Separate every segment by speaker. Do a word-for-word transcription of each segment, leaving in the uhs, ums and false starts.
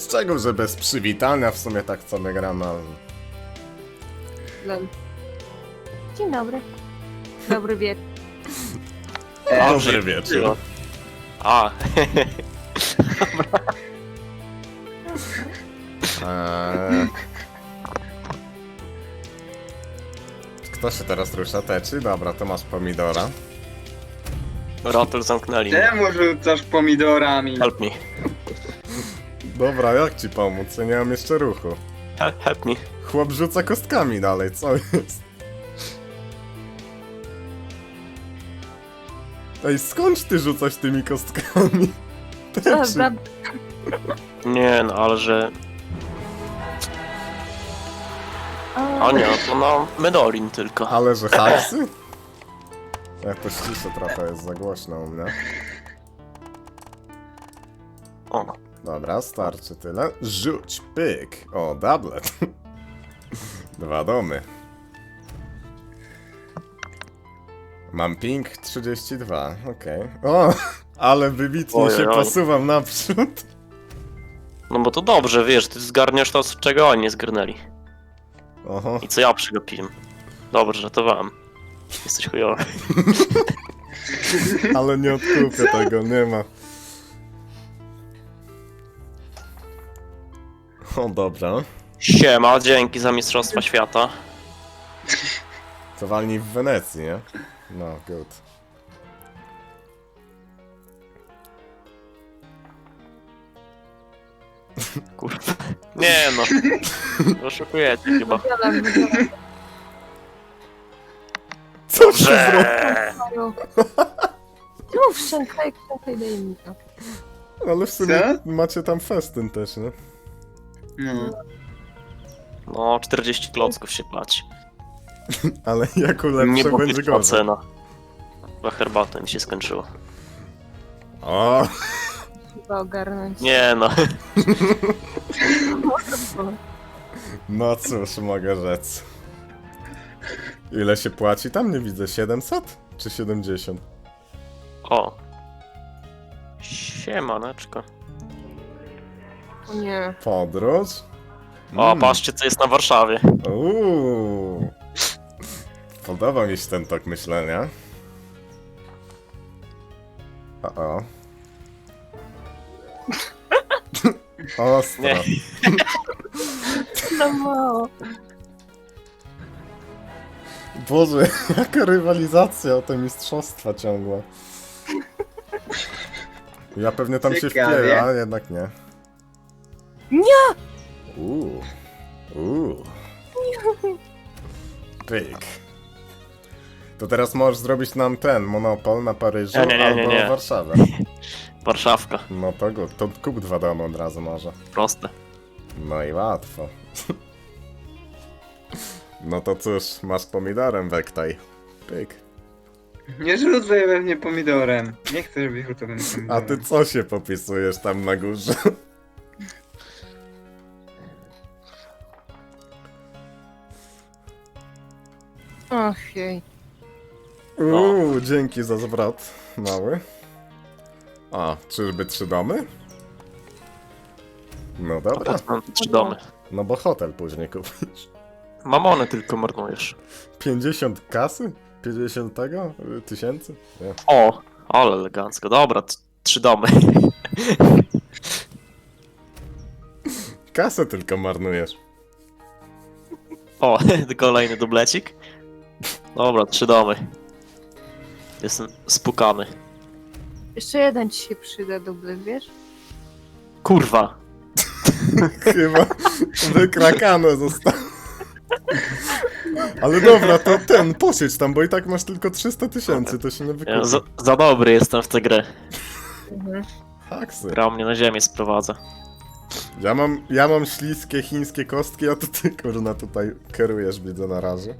Speaker 1: Z czego, że bez przywitania w sumie tak co my gramy.
Speaker 2: Lol. Dzień dobry. Dobry wieczór.
Speaker 1: Dobry wieczór.
Speaker 3: A,
Speaker 1: Eee... Kto się teraz rusza? Teczy? Dobra, to masz pomidora.
Speaker 3: Rotel zamknęli mnie.
Speaker 4: Czemu rzucasz pomidorami?
Speaker 3: Help me.
Speaker 1: Dobra, jak ci pomóc? Ja nie mam jeszcze ruchu.
Speaker 3: Help, help me.
Speaker 1: Chłop rzuca kostkami dalej, co jest? Ej, skąd ty rzucasz tymi kostkami? Teczy.
Speaker 2: Dobra.
Speaker 3: Nie no, ale że... A nie, to na Medolin tylko.
Speaker 1: Ale że haksy? Ja to ściszę trochę, jest za głośno u mnie.
Speaker 3: O,
Speaker 1: Dobra, starczy tyle. Rzuć, pyk. O, doublet. Dwa domy. Mam ping trzydzieści dwa, okej. O, ale wybitnie
Speaker 3: Ojej,
Speaker 1: się
Speaker 3: oj.
Speaker 1: posuwam naprzód.
Speaker 3: no bo to dobrze, wiesz, ty zgarniasz to, z czego oni nie zgarnęli.
Speaker 1: Oho.
Speaker 3: I co ja przegapiłem. Dobrze, żartowałem. Jesteś chujowy.
Speaker 1: Ale nie odkupię tego, nie ma. O, dobra.
Speaker 3: Siema, dzięki za Mistrzostwa Świata.
Speaker 1: To walnij w Wenecji, nie? No, good.
Speaker 3: Kurwa. Nie no. Oszukujecie chyba.
Speaker 2: Wydzielam, wydzielam.
Speaker 1: Co się zrobiło?
Speaker 3: Dobrze.
Speaker 2: No, wszękaj, wszękaj, daj mi to.
Speaker 1: Ale w sumie
Speaker 4: Co?
Speaker 1: macie tam festyn też, nie?
Speaker 4: No.
Speaker 3: No, czterdzieści klocków się płaci.
Speaker 1: Ale jako lepsze
Speaker 3: Nie
Speaker 1: będzie
Speaker 3: będzie
Speaker 1: gorzej.
Speaker 3: cena. Chyba herbata mi się skończyła.
Speaker 1: O,
Speaker 2: Chyba ogarnąć.
Speaker 3: Nie no.
Speaker 1: no cóż, mogę rzec. Ile się płaci? Tam nie widzę, siedemset? Czy siedemdziesiąt?
Speaker 3: O. Siemaneczko.
Speaker 2: O nie.
Speaker 1: Podróż?
Speaker 3: O,
Speaker 1: Mm.
Speaker 3: patrzcie co jest na Warszawie.
Speaker 1: Uuu. Podoba mi się ten tok myślenia. O, o. Ostro.
Speaker 3: Nie.
Speaker 2: No mało.
Speaker 1: Boże, jaka rywalizacja o te mistrzostwa ciągła. Ja pewnie tam się
Speaker 4: Ciekawie.
Speaker 1: wpieję, ale jednak nie.
Speaker 2: Nie!
Speaker 1: Uuu. Uuu. Pyk. To teraz możesz zrobić nam ten monopol na Paryżu
Speaker 3: Nie, nie, nie, nie,
Speaker 1: albo
Speaker 3: nie.
Speaker 1: Warszawę.
Speaker 3: Warszawka.
Speaker 1: No to good. To kup dwa domy od razu może.
Speaker 3: Proste.
Speaker 1: No i łatwo. No to cóż, masz pomidorem wektaj. Pyk.
Speaker 4: Nie rzucaj we mnie pomidorem. Nie chcę, żebyś rzucał we mnie
Speaker 1: A
Speaker 4: pomidorem.
Speaker 1: ty co się popisujesz tam na górze?
Speaker 2: Och jej.
Speaker 1: Uuu, dzięki za zwrot, mały. A, czyżby trzy domy? No
Speaker 3: A
Speaker 1: dobra,
Speaker 3: potem mam trzy domy.
Speaker 1: no bo hotel później kupisz.
Speaker 3: Mamony tylko marnujesz.
Speaker 1: pięćdziesiąt kasy? pięćdziesiąt tego? Y, Tysięcy? Nie.
Speaker 3: O, ale elegancko. Dobra, t- trzy domy.
Speaker 1: Kasę tylko marnujesz.
Speaker 3: O, kolejny dublecik. Dobra, trzy domy. Jestem spukany.
Speaker 2: Jeszcze jeden ci się przyda, dublet, wiesz?
Speaker 3: Kurwa.
Speaker 1: Chyba wykrakane zostało. Ale dobra, to ten, posiedź tam, bo i tak masz tylko trzysta tysięcy, to się nie
Speaker 3: Ja
Speaker 1: wykupi.
Speaker 3: za, za dobry jestem w tę grę.
Speaker 2: Mhm.
Speaker 1: Haksy.
Speaker 3: Gra mnie na ziemię sprowadza.
Speaker 1: Ja mam, ja mam śliskie chińskie kostki, a to ty kurna tutaj kierujesz, widzę na razie.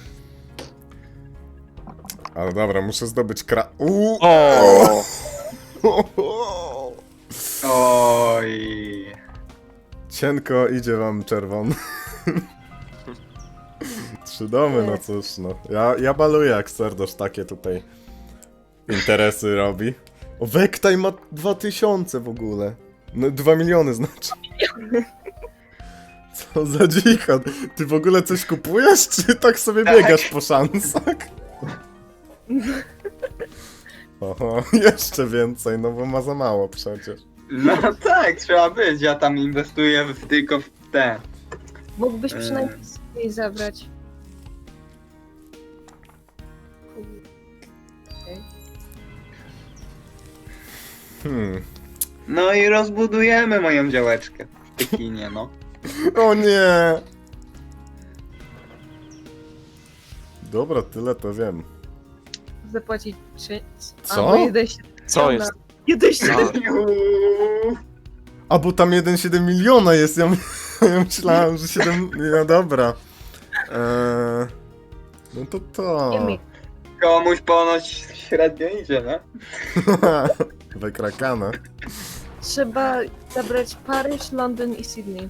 Speaker 1: Ale dobra, muszę zdobyć kra... Uuu!
Speaker 3: O!
Speaker 4: Oj.
Speaker 1: Cienko idzie wam czerwony. Trzy domy, no cóż no. Ja, ja baluję jak serdosz takie tutaj interesy robi. O, Wektaj ma dwa tysiące w ogóle. No dwa miliony znaczy. Co za dzicha. Ty w ogóle coś kupujesz, czy tak sobie
Speaker 4: Tak.
Speaker 1: biegasz po szansach? Oho, jeszcze więcej, no bo ma za mało przecież.
Speaker 4: No tak, trzeba być. Ja tam inwestuję w, tylko w te.
Speaker 2: Mógłbyś
Speaker 4: Eee.
Speaker 2: przynajmniej jej zabrać. Okej.
Speaker 1: Hmm.
Speaker 4: No i rozbudujemy moją działeczkę w Pekinie, no.
Speaker 1: O nie! Dobra, tyle to wiem.
Speaker 2: Zapłacić trzy...
Speaker 1: Co?
Speaker 2: Albo jeden siedem
Speaker 3: Co
Speaker 2: miliona.
Speaker 3: jest?
Speaker 2: jeden siedem
Speaker 4: Juuu.
Speaker 1: A bo tam jeden przecinek siedem miliona jest, ja, my- ja myślałem, że siedem... No dobra. Eee, no to to.
Speaker 2: Nie mi.
Speaker 4: Komuś ponoć średnio idzie, nie?
Speaker 1: Wykrakane.
Speaker 2: Trzeba zabrać Paryż, Londyn i Sydney.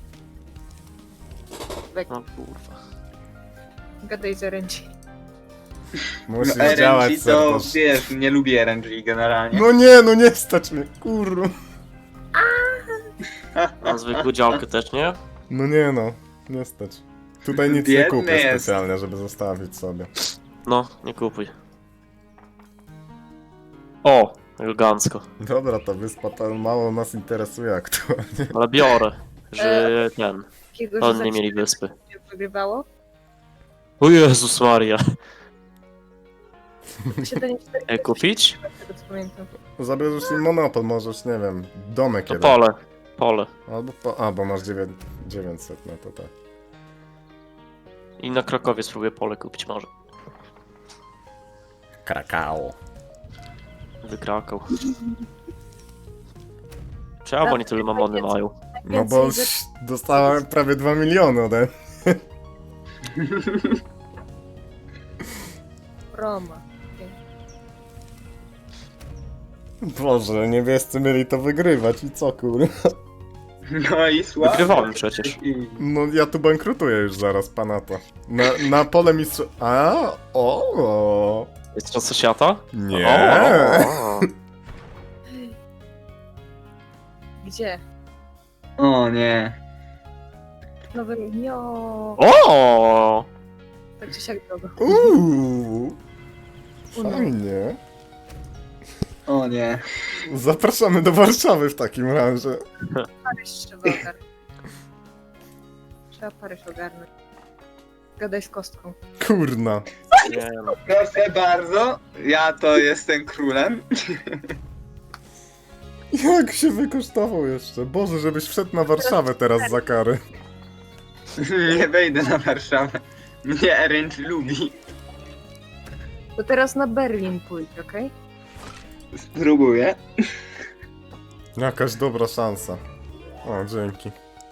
Speaker 2: Wek,
Speaker 3: No kurwa.
Speaker 2: gadaj z R N G.
Speaker 1: Musisz
Speaker 4: No,
Speaker 1: działać,
Speaker 4: R N G to,
Speaker 1: serdusz.
Speaker 4: wiesz, nie lubię R N G generalnie.
Speaker 1: No nie, no nie stać mnie, kurwa.
Speaker 3: A zwykłą działkę też nie?
Speaker 1: No nie no, nie stać. Tutaj nic nie
Speaker 4: Biedny
Speaker 1: kupię
Speaker 4: jest.
Speaker 1: specjalnie, żeby zostawić sobie.
Speaker 3: No, nie kupuj. O, elegancko.
Speaker 1: Dobra, ta wyspa to mało nas interesuje aktualnie.
Speaker 3: Ale biorę, że ten.
Speaker 2: Takiego, że
Speaker 3: Oni
Speaker 2: za
Speaker 3: nie mieli
Speaker 2: chwilę
Speaker 3: wyspy.
Speaker 2: się wygrywało.
Speaker 3: O Jezus Maria.
Speaker 2: siedem cztery
Speaker 3: E, kupić?
Speaker 2: z tego co pamiętam.
Speaker 1: Zabierzesz im monopol, możesz, nie wiem, domek
Speaker 3: To
Speaker 1: jeden.
Speaker 3: pole. Pole.
Speaker 1: Albo po... A, bo masz dziewię- dziewięćset, no to tak.
Speaker 3: I na Krakowie spróbuję pole kupić może.
Speaker 1: Krakao.
Speaker 3: Wykrakał. Czemu oni tyle mamony mają?
Speaker 1: No bo
Speaker 2: Więcej
Speaker 1: ś- dostałem prawie dwa miliony ode
Speaker 2: Roma.
Speaker 1: Boże, niebiescy mieli to wygrywać i co kurwa?
Speaker 4: No i słabo.
Speaker 3: Wygrywałem przecież.
Speaker 4: I-
Speaker 1: No ja tu bankrutuję już zaraz, pana to. Na, na pole mistrz... A, o,
Speaker 3: Jest to świata?
Speaker 1: nie.
Speaker 3: O,
Speaker 2: Gdzie?
Speaker 4: O nie.
Speaker 2: Nowe Nio.
Speaker 3: o!
Speaker 2: Tak czy siak drogo.
Speaker 1: Uuu,
Speaker 2: Uno.
Speaker 1: fajnie.
Speaker 4: O nie.
Speaker 1: Zapraszamy do Warszawy w takim razie.
Speaker 2: Paryż trzeba ogarnąć. Trzeba Paryż ogarnąć. Gadaj z kostką.
Speaker 1: Kurna.
Speaker 3: Nie no.
Speaker 4: Proszę bardzo, ja to jestem królem.
Speaker 1: Jak się wykosztował jeszcze? Boże, żebyś wszedł na Warszawę teraz za karę.
Speaker 4: Nie wejdę na Warszawę. Mnie R N G lubi.
Speaker 2: To teraz na Berlin pójdź, okej?
Speaker 4: Spróbuję.
Speaker 1: Jakaś dobra szansa. O, dzięki.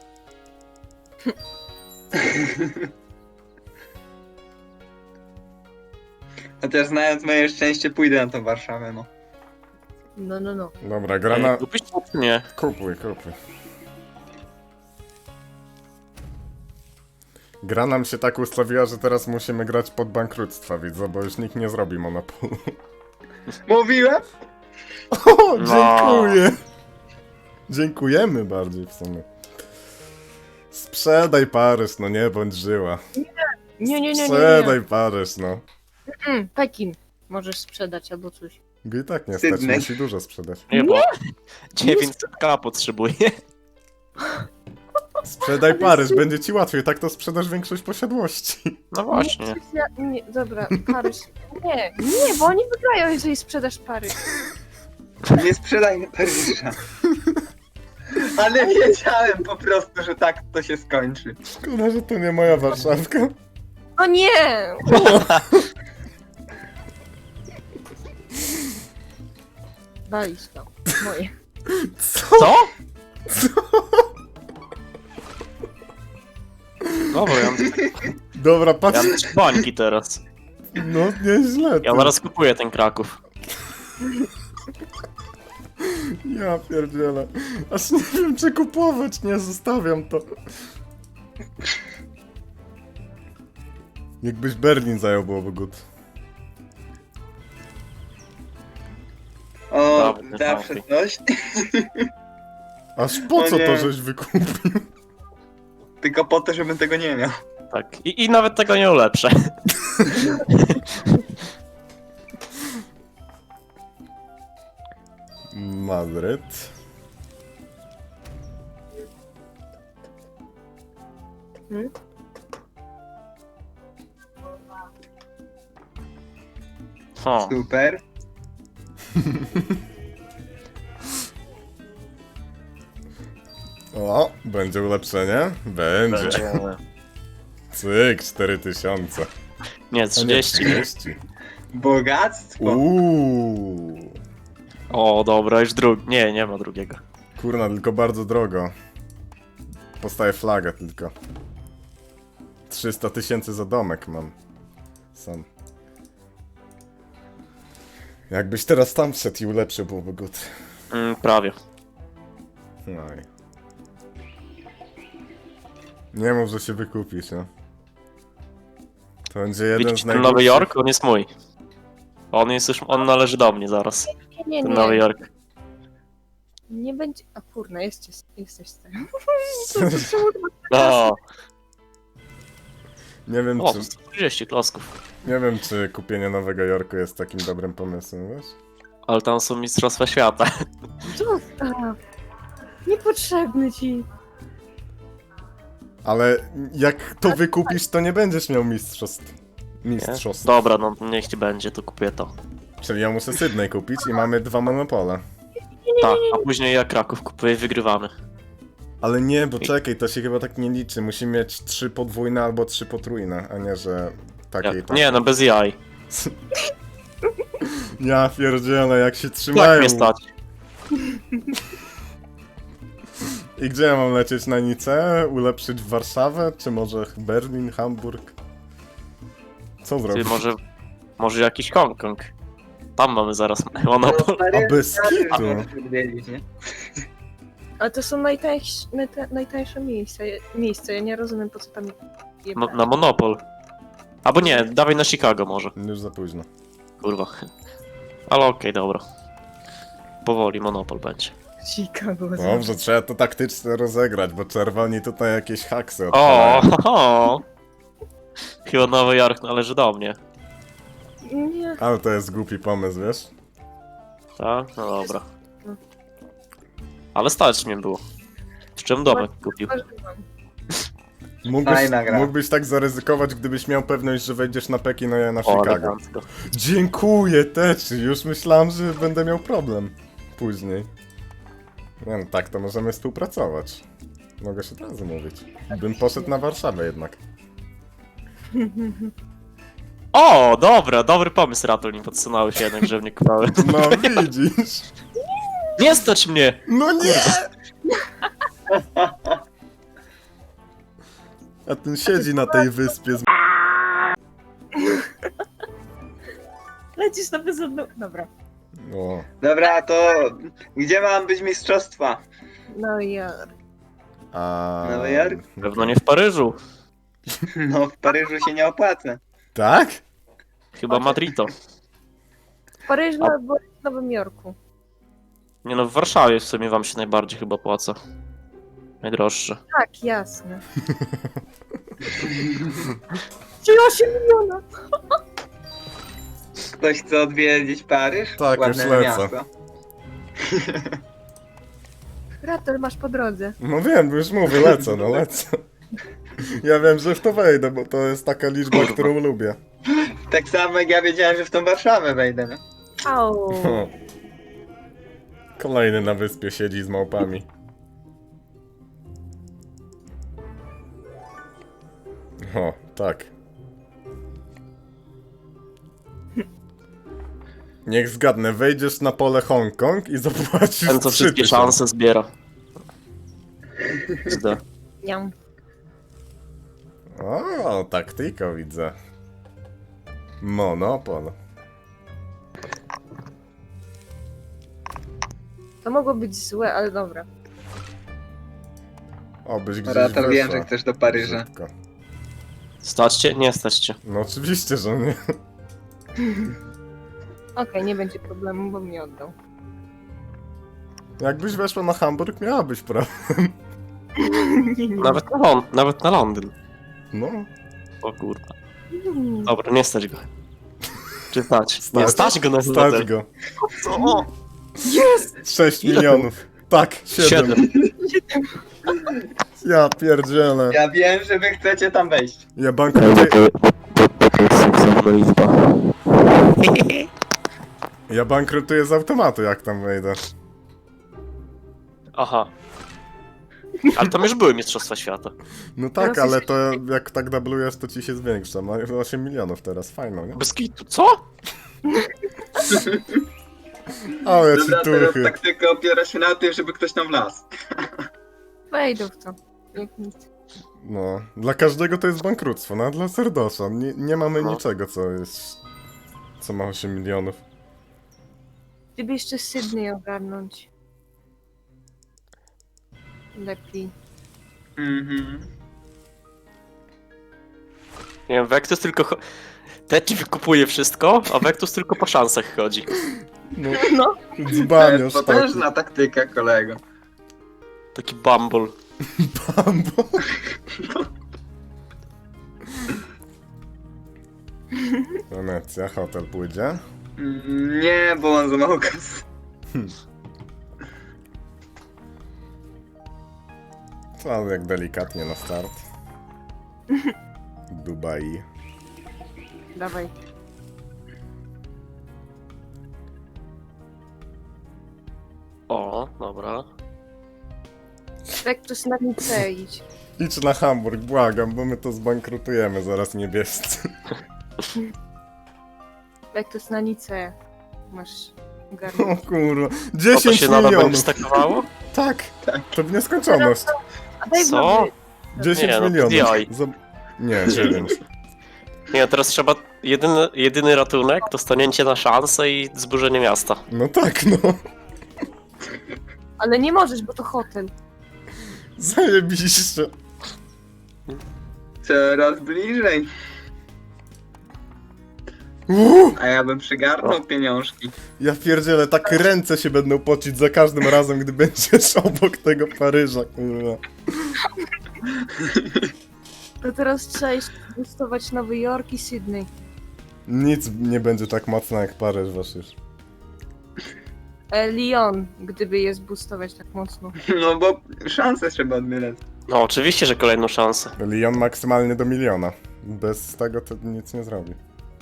Speaker 4: Chociaż znając moje szczęście pójdę na tą Warszawę, no.
Speaker 2: No, no, no.
Speaker 1: Dobra, gra na...
Speaker 3: Ej, kupić to czy nie?
Speaker 1: Kupuj, kupuj. Gra nam się tak ustawiła, że teraz musimy grać pod bankructwa, widzę, bo już nikt nie zrobi monopolu.
Speaker 4: Mówiłem?
Speaker 1: O,
Speaker 3: No.
Speaker 1: dziękuję! Dziękujemy bardziej w sumie. Sprzedaj Paryż, no nie bądź żyła.
Speaker 2: Nie, nie, nie, nie, nie.
Speaker 1: Sprzedaj Paryż, no.
Speaker 2: Mm, Pekin możesz sprzedać albo coś.
Speaker 1: Go i tak nie stać,
Speaker 4: Sydney.
Speaker 1: musi dużo sprzedać.
Speaker 3: Nie, bo dziewięćset k potrzebuję.
Speaker 1: Sprzedaj Paryż, będzie ci łatwiej, tak to sprzedasz większość posiadłości.
Speaker 3: No właśnie.
Speaker 2: Nie, ja, nie, dobra, Paryż. Nie, nie, bo oni wygrają, jeżeli sprzedasz Paryż.
Speaker 4: Nie sprzedajmy Paryża. Ale wiedziałem po prostu, że tak to się skończy.
Speaker 1: Szkoda, że to nie moja Warszawka.
Speaker 2: O nie! Walić to. Moje.
Speaker 1: Co?
Speaker 3: Co? Dobra, ja mam,
Speaker 1: Dobra,
Speaker 3: ja
Speaker 1: patrz.
Speaker 3: mam trzy bańki teraz.
Speaker 1: No, nieźle.
Speaker 3: Ja
Speaker 1: ty.
Speaker 3: zaraz kupuję ten Kraków.
Speaker 1: Ja pierdzielę. Aż nie wiem, czy kupować, nie zostawiam to. Jakbyś Berlin zajął, byłoby good.
Speaker 4: O,
Speaker 3: Dobry,
Speaker 4: zawsze
Speaker 3: dobry.
Speaker 4: coś.
Speaker 1: Aż po
Speaker 4: O
Speaker 1: co
Speaker 4: nie.
Speaker 1: to żeś wykupił?
Speaker 4: Tylko po to, żebym tego nie miał.
Speaker 3: Tak. I, i nawet tego nie ulepszę.
Speaker 1: Madryt.
Speaker 2: Hmm?
Speaker 3: O,
Speaker 4: Super.
Speaker 1: O, będzie ulepszenie? Będzie.
Speaker 3: będzie.
Speaker 1: Cyk, cztery tysiące.
Speaker 3: Nie,
Speaker 1: A nie,
Speaker 3: trzydzieści.
Speaker 1: trzydzieści.
Speaker 4: Bogactwo.
Speaker 1: Uuu.
Speaker 3: O, dobra, już drugi. Nie, nie ma drugiego.
Speaker 1: Kurna, tylko bardzo drogo. Postaję flagę tylko. trzysta tysięcy za domek mam. Sam. Jakbyś teraz tam wszedł i ulepszył, byłoby good.
Speaker 3: Mm, prawie.
Speaker 1: No i... Nie mów, że się wykupisz, no. To będzie jeden
Speaker 3: Widzisz
Speaker 1: z
Speaker 3: ten
Speaker 1: najgorszych...
Speaker 3: Nowy Jork? On jest mój. On jest już, on należy do mnie zaraz.
Speaker 2: Nie, nie,
Speaker 3: Ten
Speaker 2: nie.
Speaker 3: Nowy Jork.
Speaker 2: Nie będzie... A kurna, jesteś, jesteś z tym.
Speaker 3: No.
Speaker 1: Nie wiem,
Speaker 3: O,
Speaker 1: czy...
Speaker 3: sto trzydzieści klocków.
Speaker 1: Nie wiem, czy kupienie Nowego Jorku jest takim dobrym pomysłem, wiesz?
Speaker 3: Ale tam są mistrzostwa świata.
Speaker 2: Zostaw. Niepotrzebny ci.
Speaker 1: Ale jak to wykupisz, to nie będziesz miał mistrzostw.
Speaker 3: Nie?
Speaker 1: Mistrzostw.
Speaker 3: Dobra, no niech ci będzie, to kupię to.
Speaker 1: Czyli ja muszę Sydney kupić i mamy dwa monopole.
Speaker 3: Tak, a później ja Kraków kupuję i wygrywamy.
Speaker 1: Ale nie, bo czekaj, to się chyba tak nie liczy. Musi mieć trzy podwójne albo trzy potrójne, a nie, że takie i
Speaker 3: Jak?
Speaker 1: tak.
Speaker 3: Nie, no bez jaj.
Speaker 1: Ja pierdzielę, jak się
Speaker 3: Tak
Speaker 1: trzymają.
Speaker 3: mnie stać.
Speaker 1: I gdzie ja mam lecieć na Nicę? Ulepszyć Warszawę? Czy może Berlin, Hamburg? Co
Speaker 3: Ty
Speaker 1: zrobić?
Speaker 3: może, może jakiś Hongkong. Tam mamy zaraz monopol.
Speaker 1: A bez kitu.
Speaker 4: Odwiedzić, nie?
Speaker 2: Ale to są najtańsze, najta, najtańsze miejsca. miejsca. Ja nie rozumiem, po co tam je
Speaker 3: Mo- na monopol. Albo nie, dawaj na Chicago może.
Speaker 1: Już za późno.
Speaker 3: Kurwa. Ale okej, dobra. Powoli monopol będzie.
Speaker 2: Chicago.
Speaker 1: Dobrze, trzeba to taktycznie rozegrać, bo czerwoni tutaj jakieś haksy
Speaker 3: O,
Speaker 1: odpalają.
Speaker 3: ho, ho. Chyba Nowy Jork należy do mnie.
Speaker 2: Nie.
Speaker 1: Ale to jest głupi pomysł, wiesz?
Speaker 3: Tak? No dobra. Ale stać mnie było. Z czym domek kupił?
Speaker 1: Mógłbyś,
Speaker 4: Fajna gra.
Speaker 1: mógłbyś tak zaryzykować, gdybyś miał pewność, że wejdziesz na Pekin, a ja na
Speaker 3: O,
Speaker 1: Chicago.
Speaker 3: elegancko.
Speaker 1: Dziękuję, Teczy. Już myślałem, że będę miał problem później. Nie no, tak, to możemy współpracować. Mogę się od razu mówić. Bym poszedł na Warszawę jednak.
Speaker 3: O, dobra, dobry pomysł, Ratul, nie podsunęły się jednak, że mnie kupały.
Speaker 1: No widzisz.
Speaker 3: Nie stać mnie!
Speaker 1: No nie! A ten siedzi na tej wyspie z...
Speaker 2: Lecisz na bezodną... Dobra.
Speaker 1: O,
Speaker 4: Dobra, to gdzie mam być mistrzostwa?
Speaker 2: No ja...
Speaker 1: a...
Speaker 4: Nowy Jork?
Speaker 3: Pewno nie w Paryżu.
Speaker 4: No w Paryżu się nie opłaca.
Speaker 1: Tak?
Speaker 3: Chyba Madrito.
Speaker 2: W Paryżu albo w Nowym Jorku. Nie
Speaker 3: Nie no, w Warszawie w sumie wam się najbardziej chyba płaca. Najdroższe.
Speaker 2: Tak, jasne. Czyli osiem miliona!
Speaker 4: Ktoś chce odwiedzić Paryż?
Speaker 1: Tak,
Speaker 4: Ładne
Speaker 1: już lecę.
Speaker 4: miasto.
Speaker 2: Ratel masz po drodze.
Speaker 1: No wiem, już mówię, lecę, no lecę. Ja wiem, że w to wejdę, bo to jest taka liczba, którą lubię.
Speaker 4: Tak samo jak ja wiedziałem, że w tą Warszawę wejdę, no.
Speaker 2: Au.
Speaker 1: O. Kolejny na wyspie siedzi z małpami. O, tak. Niech zgadnę, wejdziesz na pole Hongkong i zapłacisz
Speaker 3: Ten co
Speaker 1: trzy
Speaker 3: wszystkie
Speaker 1: tysiące.
Speaker 3: szanse zbiera. Zde.
Speaker 2: Niam.
Speaker 1: O, taktyka widzę. Monopol.
Speaker 2: To mogło być złe, ale dobra.
Speaker 1: Obyś gdzieś
Speaker 4: Ratar, wiem,
Speaker 1: weszła.
Speaker 4: że chcesz do Paryża.
Speaker 1: Szybko.
Speaker 3: Stać cię? Nie stać cię.
Speaker 1: No oczywiście, że nie.
Speaker 2: Okej, nie będzie problemu, bo mnie oddał.
Speaker 1: Jakbyś weszła na Hamburg, miałabyś prawo.
Speaker 2: Nie, nie.
Speaker 3: Nawet na, Lon nawet na Londyn.
Speaker 1: No.
Speaker 3: O kurwa.
Speaker 2: Mm.
Speaker 3: Dobra, nie stać go. Czy stać?
Speaker 1: Stać.
Speaker 3: Nie stać go na
Speaker 1: Stać
Speaker 3: hotel.
Speaker 1: go.
Speaker 3: Co?
Speaker 2: Jest!
Speaker 1: sześć
Speaker 3: Ile
Speaker 1: milionów. Tak, siedem.
Speaker 3: Siedem.
Speaker 1: Ja pierdzielę.
Speaker 4: Ja wiem, że wy chcecie tam wejść.
Speaker 1: Ja bankrutuję,
Speaker 3: To jest seksowna liczba.
Speaker 1: ja bankrutuję z automatu, jak tam wejdę.
Speaker 3: Aha. Ale tam już były Mistrzostwa Świata.
Speaker 1: No tak,
Speaker 2: Teraz
Speaker 1: ale
Speaker 2: jest-
Speaker 1: to jak tak dublujesz, to ci się zwiększa. Ma osiem milionów teraz, fajno, nie?
Speaker 3: Bez kitu. Co?
Speaker 1: Ale ci
Speaker 4: Dobra, teraz
Speaker 1: tuchy.
Speaker 4: taktyka opiera się na tym, żeby ktoś tam wlazł.
Speaker 2: Wejdę w to. Jak nic.
Speaker 1: No, dla każdego to jest bankructwo, no a dla Serdosza nie, nie mamy
Speaker 3: No.
Speaker 1: niczego, co jest... co ma osiem milionów.
Speaker 2: Gdyby jeszcze Sydney ogarnąć. Lepiej.
Speaker 4: Mhm.
Speaker 3: Nie wiem, Vectus tylko... cho- Teci wykupuje wszystko, a Vectus tylko po szansach chodzi.
Speaker 1: No,
Speaker 2: No.
Speaker 4: To
Speaker 1: dzbaniasz
Speaker 4: jest
Speaker 1: taki.
Speaker 4: potężna taktyka, kolego.
Speaker 3: Taki bumble.
Speaker 1: Bambo. Wenecja, hotel pójdzie.
Speaker 4: Mm, Nie, bo on za mało kasy.
Speaker 1: Ale jak delikatnie na start. Dubai.
Speaker 2: Dawaj.
Speaker 3: O, dobra.
Speaker 2: Vectus na Nicę idź.
Speaker 1: Idź na Hamburg, błagam, bo my to zbankrutujemy zaraz niebiescy.
Speaker 2: Vectus na Nicę. Masz
Speaker 1: O
Speaker 2: ogarnąć.
Speaker 1: kurwa,
Speaker 3: To, to
Speaker 1: dziesięć
Speaker 3: się nadal będzie
Speaker 1: milionów!
Speaker 3: stakowało?
Speaker 1: Tak, to w nieskończoność.
Speaker 2: A daj
Speaker 3: Co?
Speaker 2: wody.
Speaker 1: dziesięć
Speaker 3: Nie, no,
Speaker 1: milionów.
Speaker 3: jaj.
Speaker 1: Zob- Nie, dziewięć.
Speaker 3: Nie, teraz trzeba... Jedyny, jedyny ratunek to stanięcie na szansę i zburzenie miasta.
Speaker 1: No tak, no.
Speaker 2: Ale nie możesz, bo to hotel.
Speaker 1: Zajebiście.
Speaker 4: Coraz bliżej.
Speaker 1: Uuu,
Speaker 4: A ja bym przygarnął pieniążki.
Speaker 1: ja pierdzielę, tak ręce się będą pocić za każdym razem, gdy będziesz obok tego Paryża, kurwa.
Speaker 2: To teraz trzeba jeszcze gustować Nowy Jork i Sydney.
Speaker 1: Nic nie będzie tak mocno jak Paryż, wasz już.
Speaker 2: E, Lyon, gdyby je zboostować tak mocno.
Speaker 4: No bo szanse trzeba odbierać.
Speaker 3: No, oczywiście, że kolejną szansę.
Speaker 1: Lyon maksymalnie do miliona. Bez tego to nic nie zrobi.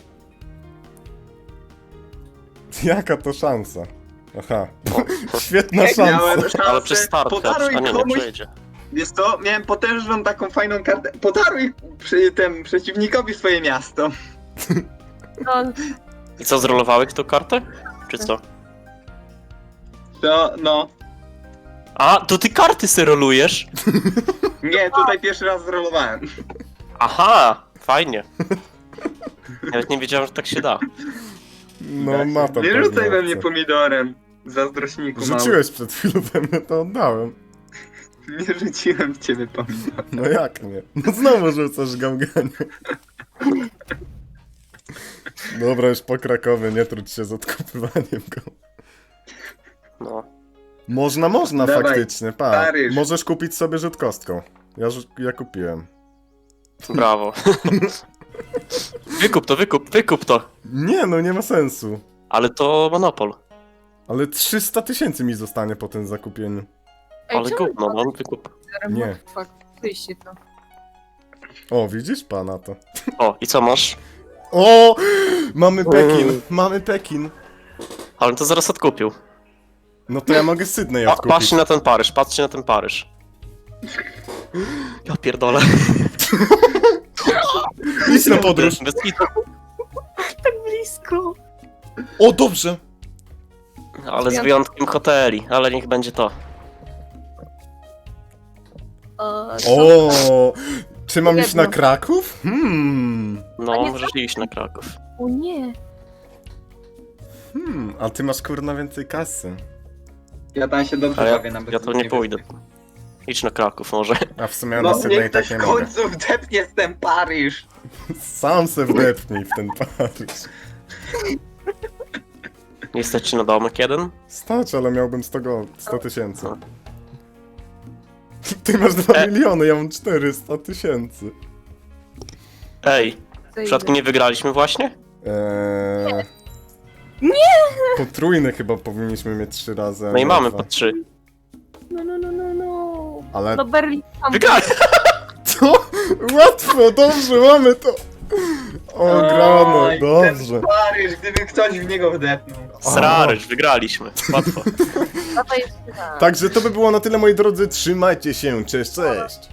Speaker 1: Jaka to szansa? Aha. Świetna
Speaker 4: Jak miałem
Speaker 1: szansa.
Speaker 4: szansę,
Speaker 3: Ale przez start,
Speaker 4: podaruj
Speaker 3: a nie, nie
Speaker 4: komuś,
Speaker 3: przejdzie.
Speaker 4: wiesz co, miałem potężną taką fajną kartę. Podaruj przy tym przeciwnikowi swoje miasto.
Speaker 2: No,
Speaker 3: I co, zrolowałeś tą kartę? Czy co?
Speaker 4: To, no.
Speaker 3: A, to ty karty se rolujesz?
Speaker 4: Nie, tutaj pierwszy raz zrolowałem.
Speaker 3: Aha, fajnie. Nawet nie wiedziałem, że tak się da.
Speaker 1: No ma to
Speaker 4: Nie
Speaker 1: pewnie
Speaker 4: rzucaj we mnie
Speaker 1: opcję.
Speaker 4: pomidorem. Zazdrośniku mały.
Speaker 1: Rzuciłeś przed chwilą we mnie, to oddałem.
Speaker 4: Nie rzuciłem w ciebie pomidor.
Speaker 1: No jak nie? No znowu rzucasz gałganie. Dobra, już po Krakowie, nie trudź się z odkupywaniem go.
Speaker 3: No.
Speaker 1: Można, można
Speaker 4: Dawaj,
Speaker 1: faktycznie, pa.
Speaker 4: Paryż.
Speaker 1: Możesz kupić sobie rzut kostką. Ja, rzu- ja kupiłem.
Speaker 3: Brawo. Wykup to, wykup, wykup to.
Speaker 1: Nie, no nie ma sensu.
Speaker 3: Ale to monopol.
Speaker 1: Ale trzysta tysięcy mi zostanie po tym zakupieniu.
Speaker 2: Ej,
Speaker 3: Ale
Speaker 2: czemu
Speaker 3: gówno, no wykup.
Speaker 1: Nie.
Speaker 2: Fuck, wyjście to.
Speaker 1: O, widzisz pana to.
Speaker 3: O, i co masz?
Speaker 1: O! Mamy Pekin, mamy Pekin.
Speaker 3: Ale to zaraz odkupił.
Speaker 1: No to ja mogę Sydney
Speaker 3: Pa,
Speaker 1: odkupić.
Speaker 3: patrzcie na ten Paryż, patrzcie na ten Paryż. Ja pierdolę.
Speaker 1: Idź na podróż.
Speaker 3: Bez kitu.
Speaker 2: Tak blisko.
Speaker 1: O, dobrze.
Speaker 3: Ale z wyjątkiem hoteli, ale niech będzie to.
Speaker 2: O,
Speaker 1: O, czy mam iść na
Speaker 2: Jedno.
Speaker 1: Kraków? Hmm.
Speaker 2: A
Speaker 3: No,
Speaker 2: nie
Speaker 3: możesz iść na Kraków.
Speaker 2: o nie.
Speaker 1: Hmm, a ty masz kurna więcej kasy.
Speaker 4: Ja tam się dobrze
Speaker 3: Ale ja,
Speaker 4: bawię na
Speaker 3: ja to
Speaker 4: bezpiecznej
Speaker 3: nie pójdę.
Speaker 4: wyspie.
Speaker 3: Idź na Kraków może.
Speaker 1: A w sumie ja
Speaker 4: No
Speaker 1: na Sydney
Speaker 4: niech
Speaker 1: tak
Speaker 4: ktoś
Speaker 1: nie
Speaker 4: w
Speaker 1: mogę.
Speaker 4: końcu wdepnie w ten Paryż.
Speaker 1: Sam se wdepnij w ten Paryż.
Speaker 3: Nie stać ci na domek jeden?
Speaker 1: Stać, ale miałbym sto go, sto tysięcy.
Speaker 3: No.
Speaker 1: Ty masz dwa
Speaker 3: E.
Speaker 1: miliony, ja mam czterysta tysięcy.
Speaker 3: Ej, w
Speaker 2: Zejdę.
Speaker 3: przypadku nie wygraliśmy właśnie?
Speaker 1: Eee...
Speaker 2: Nie!
Speaker 1: Potrójne chyba powinniśmy mieć trzy razy. a
Speaker 3: No i
Speaker 1: nie
Speaker 3: mamy
Speaker 1: dwa.
Speaker 3: po trzy.
Speaker 2: No, no, no, no, no.
Speaker 1: Ale
Speaker 2: No Berlin tam.
Speaker 3: Wygrali!
Speaker 1: co? Łatwo, dobrze, mamy to! O, grano,
Speaker 4: Oj,
Speaker 1: dobrze.
Speaker 4: Ten Paryż, gdyby ktoś w niego wdepnął.
Speaker 3: Sraryż, wygraliśmy. Łatwo.
Speaker 2: No to jest tak.
Speaker 1: Także to by było na tyle, moi drodzy. Trzymajcie się, cześć, cześć!